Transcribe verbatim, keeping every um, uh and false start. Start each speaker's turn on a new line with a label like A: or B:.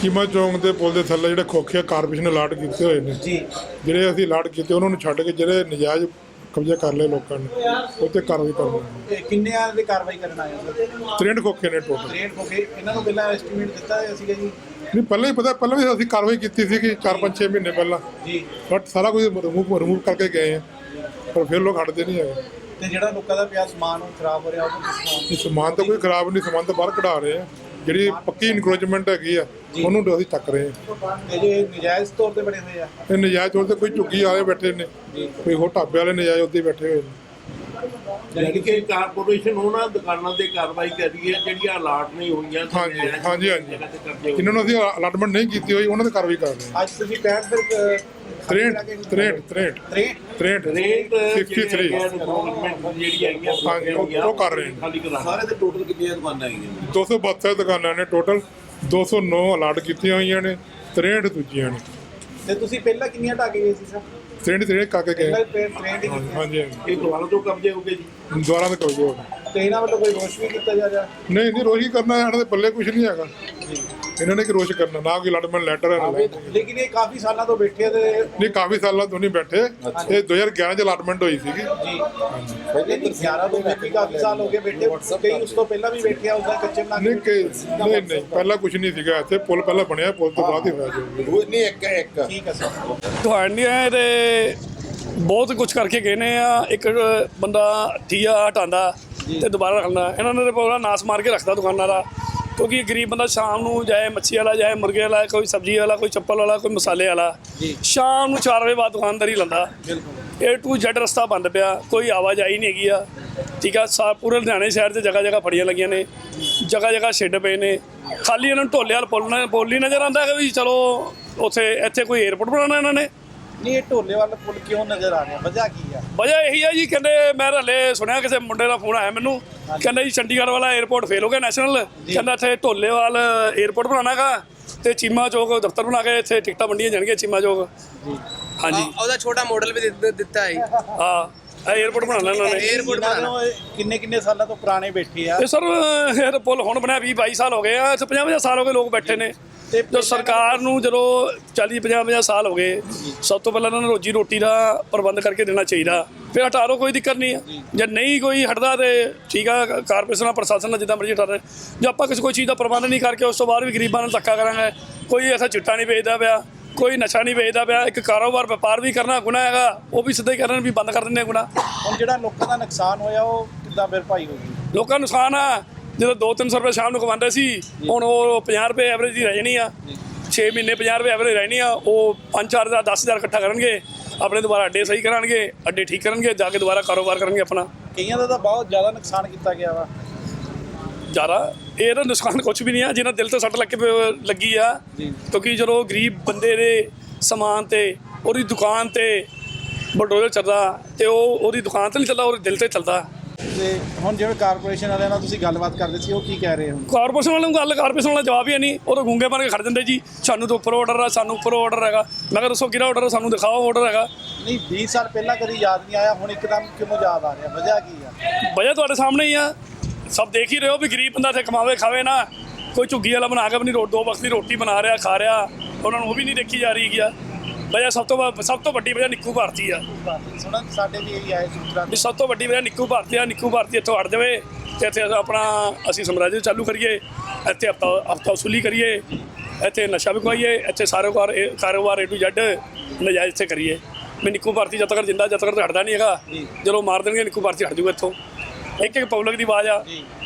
A: ਚੀਮਾ ਚੌਂਕ ਦੇ ਪੁਲ ਦੇ ਥੱਲੇ ਜਿਹੜੇ ਖੋਖੇ ਕਾਰਪੋਰੇਸ਼ਨ ਅਲਾਟ ਕੀਤੇ ਹੋਏ ਨੇ
B: ਜੀ
A: ਜਿਹੜੇ ਅਸੀਂ ਅਲਾਟ ਕੀਤੇ ਉਹਨਾਂ ਨੂੰ ਛੱਡ ਕੇ ਜਿਹੜੇ ਨਜਾਇਜ਼ ਕਬਜ਼ਾ ਕਰ ਲਏ ਲੋਕਾਂ ਨੇ ਉਹ 'ਤੇ ਕਾਰਵਾਈ ਕਰਨੀ ਹੈ।
B: ਇਹ ਕਿੰਨਿਆਂ ਦੀ ਕਾਰਵਾਈ ਕਰਨ ਆਏ ਹੋ ਸਰ?
A: ਤ੍ਰੇਹਠ ਖੋਖੇ ਨੇ ਟੋਟਲ।
B: ਰੇਟ ਹੋ ਗਏ ਇਹਨਾਂ ਨੂੰ ਪਹਿਲਾਂ ਐਸਟੀਮੇਟ ਦਿੱਤਾ ਹੋਇਆ ਸੀਗਾ ਜੀ?
A: ਨਹੀਂ ਪਹਿਲਾਂ ਹੀ ਪਤਾ ਪਹਿਲਾਂ ਵੀ ਅਸੀਂ ਕਾਰਵਾਈ ਕੀਤੀ ਸੀ ਕਿ ਚਾਰ ਪੰਜ ਛੇ ਮਹੀਨੇ ਪਹਿਲਾਂ,
B: ਜੀ
A: ਬਟ ਸਾਰਾ ਕੁਝ ਰਿਮੂਵ ਰਿਮੂਵ ਕਰਕੇ ਗਏ ਆ, ਪਰ ਫਿਰ ਲੋਕ ਹਟਦੇ ਨਹੀਂ ਹੈਗੇ।
B: ਤੇ ਜਿਹੜਾ ਲੋਕਾਂ ਦਾ ਪਿਆ ਸਮਾਨ ਉਹ ਖਰਾਬ ਹੋ ਰਿਹਾ ਉਹਨੂੰ ਕਿਸ ਤਰ੍ਹਾਂ?
A: ਇਹ ਸਮਾਨ ਤਾਂ ਕੋਈ ਖਰਾਬ ਨਹੀਂ, ਸਮਾਨ ਤਾਂ ਬਾਹਰ ਕਢਾ ਰਹੇ ਆ। ਜਿਹੜੀ ਪੱਕੀ ਇਨਕਰੋਚਮੈਂਟ ਹੈਗੀ ਆ ਉਹਨੂੰ ਅਸੀਂ ਚੱਕ ਰਹੇ ਆ।
B: ਇਹ ਜੇ ਨਜਾਇਜ਼ ਤੌਰ ਤੇ ਬਣੇ ਹੋਏ ਆ?
A: ਇਹ ਨਜਾਇਜ਼ ਤੌਰ ਤੇ ਕੋਈ ਝੁੱਗੀ ਵਾਲੇ ਬੈਠੇ ਨੇ, ਕੋਈ ਹੋਰ ਢਾਬੇ ਵਾਲੇ ਨਜਾਇਜ਼ ਉੱਤੇ ਬੈਠੇ ਹੋਏ ਨੇ।
C: ਯਾਨੀ ਕਿ ਕਾਰਪੋਰੇਸ਼ਨ ਉਹਨਾਂ ਦੁਕਾਨਾਂ ਤੇ ਕਾਰਵਾਈ ਕਰ ਰਹੀ ਹੈ ਜਿਹੜੀਆਂ ਅਲਾਟ ਨਹੀਂ ਹੋਈਆਂ।
A: ਹਾਂਜੀ ਹਾਂਜੀ ਹਾਂਜੀ ਜਿਨ੍ਹਾਂ ਨੂੰ ਅਸੀਂ ਅਲਾਟਮੈਂਟ ਨਹੀਂ ਕੀਤੀ ਹੋਈ ਉਹਨਾਂ ਤੇ ਕਾਰਵਾਈ ਕਰ ਰਹੇ ਹਾਂ।
B: ਅੱਜ ਤੁਸੀਂ ਪੈਂਹਠ ਫਿਰ
A: ਤ੍ਰੇਹਠ ਤ੍ਰੇਹਠ ਤ੍ਰੇਹਠ
B: ਤ੍ਰੇਹਠ
A: ਤ੍ਰੇਹਠ
C: ਰੇਟ
A: ਸਿਕਸਟੀ ਥ੍ਰੀ
C: ਜਿਹੜੀ ਆਈਆਂ
A: ਹਾਂਜੀ ਉਹ ਉਹ ਕਰ ਰਹੇ ਨੇ।
C: ਖਾਲੀ ਕਰਾ
D: ਸਾਰੇ ਦੇ ਟੋਟਲ ਕਿੰਨੀਆਂ ਦੁਕਾਨਾਂ ਆਈਆਂ?
A: ਦੋ ਸੌ ਬਹੱਤਰ ਦੁਕਾਨਾਂ ਨੇ ਟੋਟਲ, ਦੋ ਸੌ ਨੌ ਅਲਾਟ ਕੀਤੀਆਂ ਹੋਈਆਂ ਨੇ, ਤ੍ਰੇਹਠ ਦੂਜੀਆਂ ਨੇ।
B: ਤੇ ਤੁਸੀਂ ਪਹਿਲਾਂ ਕਿੰਨੀਆਂ ਢਾਹ ਕੇ ਗਏ ਸੀ ਸਰ?
A: ਤ੍ਰੇਹਠ ਤ੍ਰੇਹਠ ਕਰਕੇ ਗਏ।
B: ਪਹਿਲਾਂ ਤ੍ਰੇਹਠ ਹੀ ਕੀਤੀਆਂ।
A: ਹਾਂਜੀ ਹਾਂਜੀ
C: ਇਹ ਦੁਬਾਰਾ ਤੋਂ ਕਬਜ਼ੇ ਹੋ ਗਏ ਜੀ।
A: ਦੁਆਰਾ ਤੇ ਕਬਜ਼ੇ ਹੋ ਗਏ।
B: ਤੇ ਇਹਨਾਂ ਵੱਲੋਂ ਕੋਈ ਰੋਸ਼ ਵੀ ਕੀਤਾ ਜਾ ਰਿਹਾ?
A: ਨਹੀਂ ਨਹੀਂ ਰੋਸ਼ ਕਰਨਾ ਇਹਨਾਂ ਦੇ ਪੱਲੇ ਕੁਝ ਨਹੀਂ ਹੈਗਾ। ਇਹਨਾਂ ਨੇ ਕਿ ਰੋਸ਼ ਕਰਨਾ ਨਾ ਕੋਈ ਅਲਾਟਮੈਂਟ ਲੈਟਰ ਹੈ ਨਾ ਲੈ।
B: ਲੇਕਿਨ ਇਹ ਕਾਫੀ ਸਾਲਾਂ ਤੋਂ ਬੈਠੇ ਆ ਤੇ
A: ਨਹੀਂ ਕਾਫੀ ਸਾਲਾਂ ਤੋਂ ਨਹੀਂ ਬੈਠੇ, ਇਹ ਦੋ ਹਜ਼ਾਰ ਗਿਆਰਾਂ ਚ ਅਲਾਟਮੈਂਟ ਹੋਈ ਸੀਗੀ।
B: ਜੀ ਪਹਿਲੇ ਤਾਂ ਗਿਆਰਾਂ ਤੋਂ ਵੀ ਕਾਫੀ ਸਾਲ ਹੋ ਗਏ ਬੈਠੇ, ਕਈ ਉਸ ਤੋਂ ਪਹਿਲਾਂ ਵੀ ਬੈਠੇ ਆ ਉਹਦਾ ਕੱਚੇ ਬਣਾ
A: ਨਹੀਂ ਕਿ ਨਹੀਂ ਨਹੀਂ ਪਹਿਲਾਂ ਕੁਝ ਨਹੀਂ ਸੀਗਾ ਇੱਥੇ, ਪੁਲ ਪਹਿਲਾਂ ਬਣਿਆ, ਪੁਲ ਤੋਂ ਬਾਅਦ ਹੀ ਹੋਇਆ ਜੋ।
D: ਉਹ ਨਹੀਂ ਇੱਕ ਇੱਕ
B: ਠੀਕ ਹੈ ਸਰ।
E: ਤੁਹਾਡੀਆਂ ਤੇ ਬਹੁਤ ਕੁਝ ਕਰਕੇ ਗਏ ਨੇ ਆ। ਇੱਕ ਬੰਦਾ ਠੀਆ ਹਟਾਉਂਦਾ ਤੇ ਦੁਬਾਰਾ ਰੱਖਦਾ, ਇਹਨਾਂ ਨੇ ਪੂਰਾ ਨਾਸ ਮਾਰ ਕੇ ਰੱਖਦਾ ਦੁਕਾਨਾਂ ਦਾ। ਕਿਉਂਕਿ ਗਰੀਬ ਬੰਦਾ ਸ਼ਾਮ ਨੂੰ ਜਾਏ ਮੱਛੀ ਵਾਲਾ, ਜਾਏ ਮੁਰਗੇ ਵਾਲਾ, ਕੋਈ ਸਬਜ਼ੀ ਵਾਲਾ, ਕੋਈ ਚੱਪਲ ਵਾਲਾ, ਕੋਈ ਮਸਾਲੇ ਵਾਲਾ, ਸ਼ਾਮ ਨੂੰ ਚਾਰ ਵਜੇ ਬਾਅਦ ਦੁਕਾਨਦਾਰੀ ਲੈਂਦਾ। ਏ ਟੂ ਜ਼ੈਡ ਰਸਤਾ ਬੰਦ ਪਿਆ, ਕੋਈ ਆਵਾਜਾਈ ਨਹੀਂ ਹੈਗੀ ਆ। ਠੀਕ ਆ, ਸਾ ਪੂਰੇ ਲੁਧਿਆਣੇ ਸ਼ਹਿਰ 'ਚ ਜਗ੍ਹਾ ਜਗ੍ਹਾ ਫੜੀਆਂ ਲੱਗੀਆਂ ਨੇ, ਜਗ੍ਹਾ ਜਗ੍ਹਾ ਛਿੱਡ ਪਏ ਨੇ। ਖਾਲੀ ਇਹਨਾਂ ਨੂੰ ਢੋਲੇ ਵਾਲ ਪੁੱਲ ਪੁੱਲ ਹੀ ਨਜ਼ਰ ਆਉਂਦਾ ਕਿ ਵੀ ਚਲੋ ਉੱਥੇ ਇੱਥੇ ਕੋਈ ਏਅਰਪੋਰਟ ਬਣਾਉਣਾ ਇਹਨਾਂ ਨੇ।
B: ਨਹੀਂ ਇਹ ਢੋਲੇ ਵਾਲਾ ਪੁੱਲ ਕਿਉਂ ਨਜ਼ਰ ਆ ਰਿਹਾ, ਵਜ੍ਹਾ ਕੀ ਆ?
E: ਵਜ੍ਹਾ ਇਹੀ ਆ ਜੀ, ਕਹਿੰਦੇ ਮੈਂ ਹਲੇ ਸੁਣਿਆ ਕਿਸੇ ਮੁੰਡੇ ਦਾ ਫੋਨ ਆਇਆ ਮੈਨੂੰ, ਕਹਿੰਦਾ ਜੀ ਚੰਡੀਗੜ੍ਹ ਵਾਲਾ ਏਅਰਪੋਰਟ ਫੇਲ ਹੋ ਗਿਆ ਨੈਸ਼ਨਲ, ਕਹਿੰਦਾ ਇੱਥੇ ਢੋਲੇਵਾਲ ਏਅਰਪੋਰਟ ਬਣਾਉਣਾ ਗਾ ਤੇ ਚੀਮਾ ਚੌਕ ਦਫ਼ਤਰ ਬਣਾ ਕੇ ਇੱਥੇ ਟਿਕਟਾਂ ਵੰਡੀਆਂ ਜਾਣਗੀਆਂ ਚੀਮਾ ਚੌਕ। ਹਾਂਜੀ
F: ਉਹਦਾ ਛੋਟਾ ਮਾਡਲ ਵੀ ਦਿੱਤਾ- ਦਿੱਤਾ ਹੈ।
E: ਹਾਂ ਇਹ ਏਅਰਪੋਰਟ ਬਣਾਉਣਾ ਇਹਨਾਂ ਨੇ।
F: ਏਅਰਪੋਰਟ ਬਣਾਉਣਾ।
B: ਕਿੰਨੇ ਕਿੰਨੇ ਸਾਲਾਂ ਤੋਂ ਪੁਰਾਣੇ ਬੈਠੇ ਆ?
E: ਇਹ ਸਰ ਇਹ ਤਾਂ ਪੁੱਲ ਹੁਣ ਬਣਿਆ ਵੀਹ ਬਾਈ ਸਾਲ ਹੋ ਗਏ ਆ, ਇੱਥੇ ਪੰਜਾਹ ਪੰਜਾਹ ਸਾਲ ਹੋ ਗਏ ਲੋਕ ਬੈਠੇ ਨੇ।
B: ਤੇ
E: ਜੋ ਸਰਕਾਰ ਨੂੰ ਜਦੋਂ ਚਾਲੀ ਪੰਜਾਹ ਪੰਜਾਹ ਸਾਲ ਹੋ ਗਏ, ਸਭ ਤੋਂ ਪਹਿਲਾਂ ਇਹਨਾਂ ਨੂੰ ਰੋਜੀ ਰੋਟੀ ਦਾ ਪ੍ਰਬੰਧ ਕਰਕੇ ਦੇਣਾ ਚਾਹੀਦਾ, ਫਿਰ ਹਟਾ ਲਓ, ਕੋਈ ਦਿੱਕਤ ਨਹੀਂ ਆ। ਜੇ ਨਹੀਂ ਕੋਈ ਹਟਦਾ ਤੇ ਠੀਕ ਆ, ਕਾਰਪੋਰੇਸ਼ਨ ਪ੍ਰਸ਼ਾਸਨ ਨਾਲ ਜਿੱਦਾਂ ਮਰਜ਼ੀ ਹਟਾ ਰਹੇ। ਜੇ ਆਪਾਂ ਕਿਸੇ ਕੋਈ ਚੀਜ਼ ਦਾ ਪ੍ਰਬੰਧ ਨਹੀਂ ਕਰਕੇ ਉਸ ਤੋਂ ਬਾਅਦ ਵੀ ਗਰੀਬਾਂ ਨੂੰ ਧੱਕਾ ਕਰਾਂਗੇ, ਕੋਈ ਐਸਾ ਚਿੱਟਾ ਨਹੀਂ ਵੇਚਦਾ ਪਿਆ, ਕੋਈ ਨਸ਼ਾ ਨਹੀਂ ਵੇਚਦਾ ਪਿਆ, ਇੱਕ ਕਾਰੋਬਾਰ ਵਪਾਰ ਵੀ ਕਰਨਾ ਗੁਨਾਹ ਹੈਗਾ, ਉਹ ਵੀ ਸਿੱਧਾ ਹੀ ਕਰਨ ਵੀ ਬੰਦ ਕਰ ਦਿੰਦੇ ਗੁਨਾਹ।
B: ਹੁਣ ਜਿਹੜਾ ਲੋਕਾਂ ਦਾ ਨੁਕਸਾਨ ਹੋਇਆ ਉਹ ਕਿੱਦਾਂ ਭਰਪਾਈ ਹੋਊਗੀ?
E: ਲੋਕਾਂ ਨੂੰ ਨੁਕਸਾਨ ਆ, ਜਦੋਂ ਦੋ ਤਿੰਨ ਸੌ ਰੁਪਏ ਸ਼ਾਮ ਨੂੰ ਕਮਾਉਂਦੇ ਸੀ, ਹੁਣ ਉਹ ਪੰਜਾਹ ਰੁਪਏ ਐਵਰੇਜ ਦੀ ਰਹਿ ਜਾਣੀ ਆ। ਛੇ ਮਹੀਨੇ ਪੰਜਾਹ ਰੁਪਏ ਐਵਰੇਜ ਰਹਿਣੀ ਆ, ਉਹ ਪੰਜ ਚਾਰ ਹਜ਼ਾਰ ਦਸ ਹਜ਼ਾਰ ਇਕੱਠਾ ਕਰਨਗੇ, ਆਪਣੇ ਦੁਬਾਰਾ ਅੱਡੇ ਸਹੀ ਕਰਨਗੇ, ਅੱਡੇ ਠੀਕ ਕਰਨਗੇ, ਜਾ ਕੇ ਦੁਬਾਰਾ ਕਾਰੋਬਾਰ ਕਰਨਗੇ ਆਪਣਾ।
B: ਕਈਆਂ ਦਾ ਤਾਂ ਬਹੁਤ ਜ਼ਿਆਦਾ ਨੁਕਸਾਨ ਕੀਤਾ ਗਿਆ ਵਾ।
E: ਜ਼ਿਆਦਾ ਇਹ ਤਾਂ ਨੁਕਸਾਨ ਕੁਛ ਵੀ ਨਹੀਂ ਆ, ਜਿਹਨਾਂ ਦਿਲ ਤੇ ਸੱਟ ਲੱਗ ਕੇ ਲੱਗੀ ਆ। ਕਿਉਂਕਿ ਜਦੋਂ ਗਰੀਬ ਬੰਦੇ ਦੇ ਸਮਾਨ ਤੇ ਉਹਦੀ ਦੁਕਾਨ ਤੇ ਬਲਡੋਜ਼ਰ ਚੱਲਦਾ ਤੇ ਉਹ ਉਹਦੀ ਦੁਕਾਨ ਤੇ ਨਹੀਂ ਚੱਲਦਾ, ਉਹਦੇ ਦਿਲ ਤੇ ਚੱਲਦਾ।
B: ਤੇ ਹੁਣ ਜਿਵੇਂ ਕਾਰਪੋਰੇਸ਼ਨ ਵਾਲਿਆਂ ਨਾਲ ਤੁਸੀਂ ਗੱਲਬਾਤ ਕਰਦੇ ਸੀ, ਉਹ ਕੀ ਕਹਿ ਰਹੇ ਹੁਣ?
E: ਕਾਰਪੋਰੇਸ਼ਨ ਵਾਲਿਆਂ ਨੂੰ ਗੱਲ ਕਾਰਪੋਰੇਸ਼ਨ ਵਾਲਾ ਜਵਾਬ ਹੀ ਨਹੀਂ, ਉਹ ਤਾਂ ਗੂੰਗੇ ਬਣ ਕੇ ਖੜ ਜਾਂਦੇ ਜੀ, ਸਾਨੂੰ ਤਾਂ ਉੱਪਰ ਆਰਡਰ ਆ, ਸਾਨੂੰ ਉੱਪਰ ਆਰਡਰ ਹੈਗਾ। ਮੈਂ ਕਿਹਾ ਦੱਸੋ ਕਿਹੜਾ ਆਰਡਰ, ਸਾਨੂੰ ਦਿਖਾਓ ਆਰਡਰ ਹੈਗਾ।
B: ਨਹੀਂ ਵੀਹ ਸਾਲ ਪਹਿਲਾਂ ਕਦੀ ਯਾਦ ਨਹੀਂ ਆਇਆ, ਹੁਣ ਇੱਕਦਮ ਕਿਉਂ ਯਾਦ ਆ ਰਿਹਾ, ਵਜ੍ਹਾ ਕੀ ਆ?
E: ਵਜ੍ਹਾ ਤੁਹਾਡੇ ਸਾਹਮਣੇ ਹੀ ਆ, ਸਭ ਦੇਖ ਹੀ ਰਹੇ ਹੋ ਵੀ ਗਰੀਬ ਬੰਦਾ ਇੱਥੇ ਕਮਾਵੇ ਖਾਵੇ ਨਾ। ਕੋਈ ਝੁੱਗੀ ਵਾਲਾ ਬਣਾ ਕੇ ਆਪਣੀ ਰੋ ਦੋ ਵਕਤ ਦੀ ਰੋਟੀ ਬਣਾ ਰਿਹਾ, ਖਾ ਰਿਹਾ, ਉਹਨਾਂ ਨੂੰ ਉਹ ਵੀ ਨਹੀਂ ਦੇਖੀ ਜਾ ਰਹੀ ਗਿਆ। ਵਜ੍ਹਾ ਸਭ ਤੋਂ ਸਭ ਤੋਂ ਵੱਡੀ ਵਜ੍ਹਾ ਨਿੱਕੂ ਭਾਰਤੀ ਆ।
B: ਸੁਣਨ ਸਾਡੇ ਵੀ ਇਹੀ ਆਏ ਸੂਤਰਾਂ
E: ਵੀ ਸਭ ਤੋਂ ਵੱਡੀ ਵਜ੍ਹਾ ਨਿੱਕੂ ਭਾਰਤੀ ਆ। ਨਿੱਕੂ ਭਾਰਤੀ ਇੱਥੋਂ ਹਟ ਜਾਵੇ ਤੇ ਇੱਥੇ ਆਪਣਾ ਅਸੀਂ ਸਮਰਾਜ ਚਾਲੂ ਕਰੀਏ, ਇੱਥੇ ਹਫਤਾ ਹਫਤਾ ਵਸੂਲੀ ਕਰੀਏ, ਇੱਥੇ ਨਸ਼ਾ ਵਿਕਵਾਈਏ, ਇੱਥੇ ਸਾਰੇ ਕਾਰ ਕਾਰੋਬਾਰ ਏ ਟੂ ਜ਼ੈਡ ਨਜਾਇਜ਼ ਇੱਥੇ ਕਰੀਏ। ਵੀ ਨਿੱਕੂ ਭਾਰਤੀ ਜਦ ਤੱਕ ਜਿੰਦਾ ਜਦ ਤੱਕ ਹਟਦਾ ਨਹੀਂ ਹੈਗਾ, ਜਦੋਂ ਮਾਰ ਦੇਣਗੇ ਨਿੱਕੂ ਭਾਰਤੀ ਹਟ ਜੂਗਾ ਇੱਥੋਂ। ਇੱਕ ਇੱਕ ਪਬਲਿਕ ਦੀ ਆਵਾਜ਼ ਆ।